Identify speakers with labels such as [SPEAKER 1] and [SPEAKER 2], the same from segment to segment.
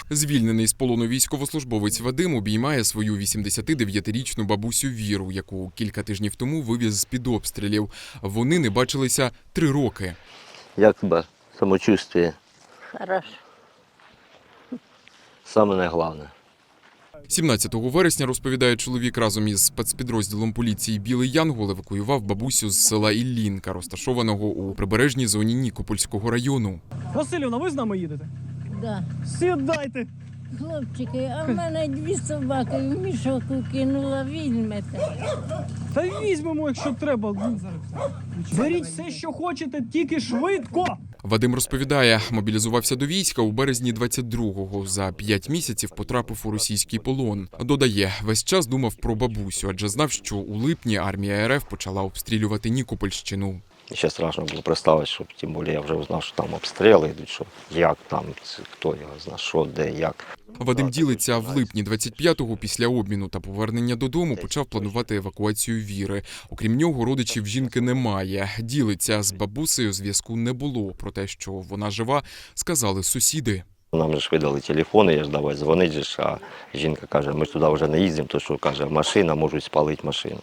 [SPEAKER 1] Звільнений з полону військовослужбовець Вадим обіймає свою 89-річну бабусю Віру, яку кілька тижнів тому вивіз з-під обстрілів. Вони не бачилися 3 роки.
[SPEAKER 2] Як тебе самочувствие?
[SPEAKER 3] Хорошо.
[SPEAKER 2] Саме найголовніше.
[SPEAKER 1] 17 вересня, розповідає чоловік, разом із спецпідрозділом поліції «Білий Янгол» евакуював бабусю з села Іллінка, розташованого у прибережній зоні Нікопольського району.
[SPEAKER 4] Василівна, ви з нами їдете?
[SPEAKER 3] Да.
[SPEAKER 4] Сідайте.
[SPEAKER 3] Хлопчики, а в мене 2 собаки в мішок кинула, візьмете.
[SPEAKER 4] Та візьмемо, якщо треба. Беріть все, що хочете, тільки швидко.
[SPEAKER 1] Вадим розповідає, мобілізувався до війська у березні 22-го. За 5 місяців потрапив у російський полон. Додає, весь час думав про бабусю, адже знав, що у липні армія РФ почала обстрілювати Нікопольщину.
[SPEAKER 2] Ще страшно було представити, що тим більше я вже узнав, що там обстріли йдуть, що як там, хто його знає, що, де, як.
[SPEAKER 1] Вадим ділиться, в липні 25-го після обміну та повернення додому почав планувати евакуацію Віри. Окрім нього, родичів жінки немає. Ділиться, з бабусею зв'язку не було. Про те, що вона жива, сказали сусіди.
[SPEAKER 2] Нам же ж видали телефони, я ж давай дзвонити, а жінка каже, ми ж туди вже не їздимо, то що каже, машина, можуть спалити машину.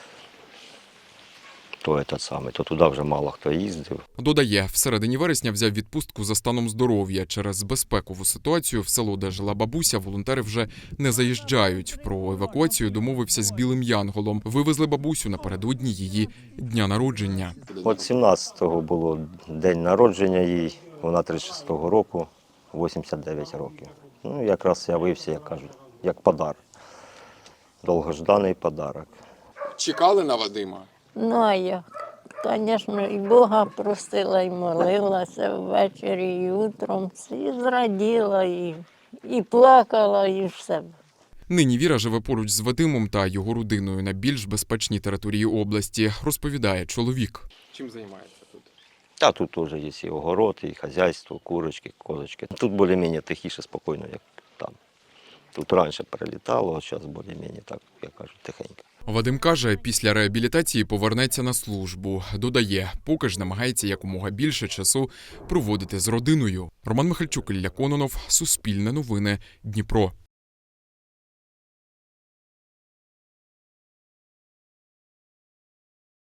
[SPEAKER 2] То туди вже мало хто їздив.
[SPEAKER 1] Додає, всередині вересня взяв відпустку за станом здоров'я. Через безпекову ситуацію в село, де жила бабуся, волонтери вже не заїжджають. Про евакуацію домовився з Білим Янголом. Вивезли бабусю напередодні її дня народження.
[SPEAKER 2] От 17-го було день народження їй, вона 36-го року, 89 років. Ну, якраз явився, як кажуть, як подарок. Довгожданий подарок.
[SPEAKER 1] Чекали на Вадима?
[SPEAKER 3] Ну, а я, звісно, і Бога просила, і молилася ввечері, і утром, і зраділа, і плакала, і все.
[SPEAKER 1] Нині Віра живе поруч з Вадимом та його родиною на більш безпечній території області, розповідає чоловік. Чим займається тут?
[SPEAKER 2] А тут теж є і огород, і хазяйство, курочки, козочки. Тут більш-менш тихіше, спокійно, як там. Тут раніше перелітало, а зараз більш-менш так, як кажуть, тихенько.
[SPEAKER 1] Вадим каже, після реабілітації повернеться на службу. Додає, поки ж намагається якомога більше часу проводити з родиною. Роман Михальчук, Ілля Кононов, Суспільне новини, Дніпро.